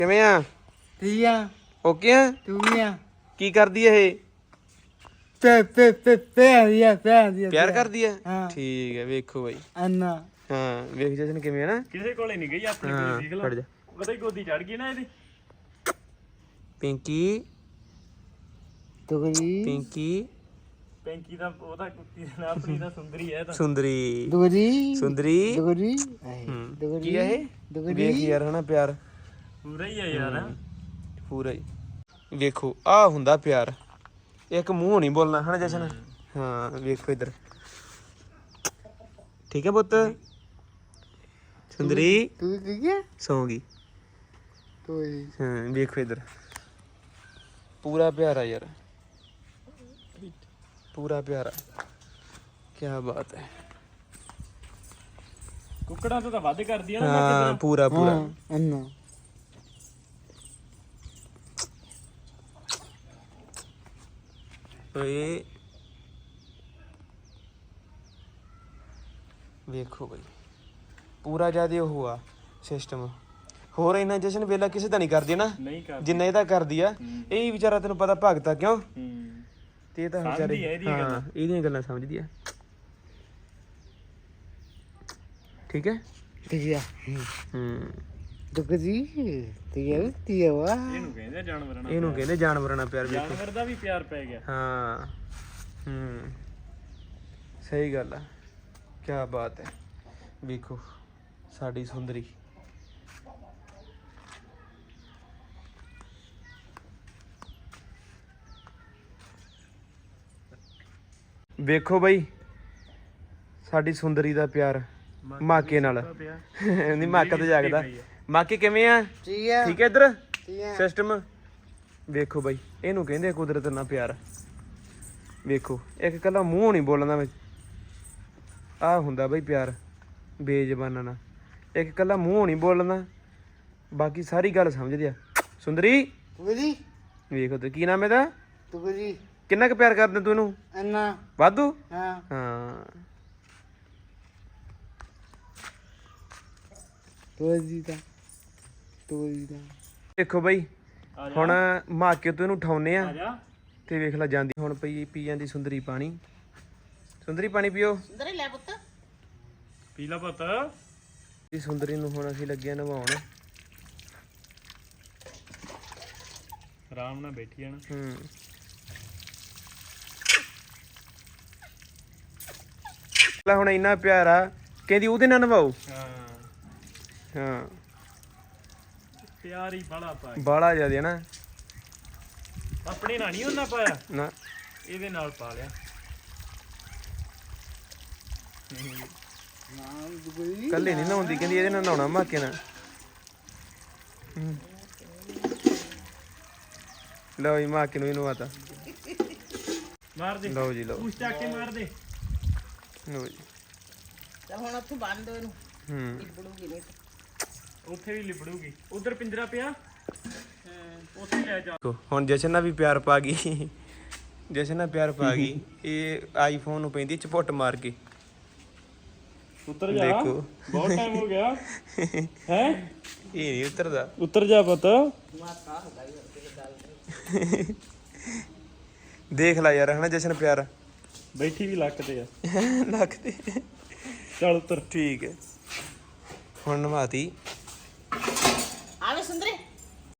ਕਿਵੇਂ ਆ? ਠੀਕ ਆ। ਓਕੇ ਆ? ਤੂੰ ਵੀ ਆ? ਕੀ ਕਰਦੀ ਐ ਇਹ? ਪਿਆਰ ਕਰਦੀ ਐ? ਠੀਕ ਹੈ, ਵੇਖੋ ਬਾਈ। ਅੰਨਾ ਹਾਂ ਵੇਖ ਜਸ਼ਨ ਕਿਵੇਂ ਆ ਨਾ। ਕਿਸੇ ਕੋਲੇ ਨਹੀਂ ਗਈ ਆਪਣੇ ਕੋਲੇ ਦੇਖ ਫੜ ਜਾ। ਉਹਦੇ ਗੋਦੀ ਚੜ ਗਈ ਨਾ ਇਹਦੀ। ਪਿੰਕੀ ਦੁਗਰੀ ਪਿੰਕੀ ਪੈਂਕੀ ਦਾ ਉਹਦਾ ਕੁੱਤੀ ਦਾ ਨਾਂ ਆਪਣੀ ਦਾ ਸੁੰਦਰੀ ਹੈ ਤਾਂ ਸੁੰਦਰੀ ਦੁਗਰੀ ਸੁੰਦਰੀ ਦੁਗਰੀ ਕੀ ਆ ਇਹ? ਵੇਖ ਯਾਰ ਹਨਾ ਪਿਆਰ ਪੂਰਾ ਹੀ ਆ ਯਾਰ ਪੂਰਾ ਹੀ। ਵੇਖੋ ਆ ਹੁੰਦਾ ਪਿਆਰ। ਇੱਕ ਮੂੰਹ ਨਹੀਂ ਬੋਲਣਾ ਹਨਾ ਜਸ਼ਨ। ਹਾਂ ਵੇਖੋ ਇੱਧਰ। ਠੀਕ ਹੈ ਪੁੱਤ। ਸੁੰਦਰੀ ਤੂੰ ਠੀਕ ਹੈ? ਸੌਂ ਗਈ। ਤੂੰ ਹਾਂ ਵੇਖੋ ਇੱਧਰ ਪੂਰਾ ਪਿਆਰਾ ਯਾਰ, ਪੂਰਾ ਪਿਆਰਾ। ਕੀ ਬਾਤ ਹੈ। ਕੁੱਕੜਾਂ ਤੋਂ ਤਾਂ ਵੱਧ ਕਰਦੀ ਆ ਨਾ ਹਾਂ ਪੂਰਾ ਪੂਰਾ। ਅੰਨਾ ਓਏ ਵੇਖੋ ਬਈ ਪੂਰਾ ਜਿਆਦੇ ਉਹ ਆ ਸਿਸਟਮ। ਹੋਰ ਇੰਨਾ ਜਸ਼ਨ ਵੇਲਾ ਕਿਸੇ ਦਾ ਨਹੀਂ ਕਰਦੀ ਨਾ ਨਹੀਂ ਕਰਦੀ ਜਿੰਨਾ ਇਹਦਾ ਕਰਦੀ ਆ। ਇਹ ਵਿਚਾਰਾ ਤੈਨੂੰ ਪਤਾ ਭਗਤਾ ਕਿਉਂ ਤੇ ਇਹ ਤਾਂ ਵਿਚਾਰੇ ਹਾਂ ਇਹਦੀਆਂ ਗੱਲਾਂ ਸਮਝਦੀ ਆ। ਠੀਕ ਹੈ ਠੀਕ ਆ। ਦੁਗਰੀ ਤੀ ਵਾ ਇਹਨੂੰ ਕਹਿੰਦੇ ਜਾਨਵਰਾਂ ਨਾਲ। ਇਹਨੂੰ ਕਹਿੰਦੇ ਜਾਨਵਰਾਂ ਨਾਲ ਪਿਆਰ। ਵੇਖੋ ਜਾਨਵਰ ਦਾ ਵੀ ਪਿਆਰ ਪੈ ਗਿਆ। ਹਾਂ ਸਹੀ ਗੱਲ ਆ। ਕੀ ਬਾਤ ਹੈ। ਵੇਖੋ ਸਾਡੀ ਸੁੰਦਰੀ। ਵੇਖੋ ਬਈ ਸਾਡੀ ਸੁੰਦਰੀ ਦਾ ਪਿਆਰ ਮਾਕੇ ਨਾਲ। ਨਹੀਂ ਮਾਕਾ ਤੇ ਜਾਗਦਾ। ਮਾਕੇ ਕਿਵੇਂ ਆ? ਠੀਕ ਆ। ਠੀਕ ਹੈ ਇੱਧਰ ਠੀਕ ਆ। ਸਿਸਟਮ। ਵੇਖੋ ਬਾਈ ਇਹਨੂੰ ਕਹਿੰਦੇ ਕੁਦਰਤ ਨਾਲ ਪਿਆਰ। ਵੇਖੋ ਇੱਕ ਕੱਲਾ ਮੂੰਹ ਨਹੀਂ ਬੋਲਣਾ ਵਿੱਚ ਆ ਹੁੰਦਾ ਬਈ ਪਿਆਰ ਬੇਜ਼ਬਾਨਾਂ ਨਾਲ। ਇੱਕ ਕੱਲਾ ਮੂੰਹ ਨਹੀਂ ਬੋਲਣਾ ਬਾਕੀ ਸਾਰੀ ਗੱਲ ਸਮਝਦੇ ਆ। ਸੁੰਦਰੀ ਦੁਗਰੀ ਵੇਖੋ ਤੇ ਕੀ ਨਾਮ ਇਹਦਾ? ਦੁਗਰੀ ਕਿੰਨਾ ਕੁ ਪਿਆਰ ਕਰਦਾ ਤੂੰ ਇਹਨੂੰ? ਅੰਨਾ ਵਾਧੂ। ਹਾਂ ਹਾਂ ਤੋਜੀ ਦਾ ਦੇਖੋ ਬਈ ਹੁਣ ਮਾਕੇ ਤੋਂ ਇਹਨੂੰ ਉਠਾਉਨੇ ਆ ਆ ਜਾ ਤੇ ਵੇਖ ਲੈ ਜਾਂਦੀ ਹੁਣ ਪੀ ਜਾਂਦੀ ਸੁੰਦਰੀ ਪਾਣੀ। ਸੁੰਦਰੀ ਪਾਣੀ ਪੀਓ। ਸੁੰਦਰੀ ਲੈ ਪੁੱਤ। ਪੀ ਲਾ ਪੁੱਤ। ਇਹ ਸੁੰਦਰੀ ਨੂੰ ਹੁਣ ਅਸੀਂ ਲੱਗੇ ਨਵਾਉਣ। ਆਰਾਮ ਨਾਲ ਬੈਠੀ ਜਾਣਾ। ਲੈ ਹੁਣ ਇੰਨਾ ਪਿਆਰ ਆ ਕਹਿੰਦੀ ਉਹਦੇ ਨਾਲ ਨਵਾਓ। ਹਾਂ ਹਾਂ ਪਿਆਰ ਹੀ ਬੜਾ ਪਾ ਬਾਲਾ ਜਿਆਦਾ ਨਾ। ਆਪਣੇ ਨਾਲ ਨਹੀਂ ਉਹਨਾਂ ਪਾਇਆ ਨਾ ਇਹਦੇ ਨਾਲ ਪਾ ਲਿਆ। ਨਾ ਦੁਗਰੀ ਕੱਲੇ ਨਹੀਂ ਨਹਾਉਂਦੀ ਕਹਿੰਦੀ ਇਹਦੇ ਨਾਲ ਨਹਾਉਣਾ ਮਾਕੇ ਨਾਲ। ਲਓ ਜੀ ਮਾਕੇ ਨੂੰ ਇਹਨੂੰ ਆਤਾ। ਮਾਰ ਦੇ ਲਓ ਜੀ ਲਓ। ਪੂਛ ਚੱਕ ਕੇ ਮਾਰ ਦੇ। ਲਓ ਜੀ। ਚੱਲ ਹੁਣ ਉੱਥੇ ਬੰਨ ਦੋ ਇਹਨੂੰ। ਬੜੂਗੀ ਨਹੀਂ ਉੱਥੇ ਵੀ ਲਿਬੜੂਗੀ। ਉਧਰ ਪਿੰਜਰਾ ਪਿਆ ਉੱਥੇ ਲੈ ਜਾ। ਹੁਣ ਜਸ਼ਨ ਨਾਲ ਵੀ ਪਿਆਰ ਪਾ ਗਈ। ਜਸ਼ਨ ਨਾਲ ਪਿਆਰ ਪਾ ਗਈ। ਇਹ ਆਈਫੋਨ ਨੂੰ ਪੈਂਦੀ ਚਪੁੱਟ ਮਾਰ ਕੇ। ਉੱਤਰ ਜਾ। ਦੇਖੋ ਬਹੁਤ ਟਾਈਮ ਹੋ ਗਿਆ ਹੈ। ਇਹ ਨਹੀਂ ਉਤਰਦਾ। ਉੱਤਰ ਜਾ ਪੁੱਤ। ਦੇਖ ਲੈ ਯਾਰ ਹਨਾ ਜਸ਼ਨ ਪਿਆਰ। ਬੈਠੀ ਵੀ ਲੱਕ ਤੇ ਆ। ਲੱਕ ਤੇ। ਚੱਲ ਉੱਤਰ। ਠੀਕ ਹੈ ਹੁਣ ਨਵਾਤੀ।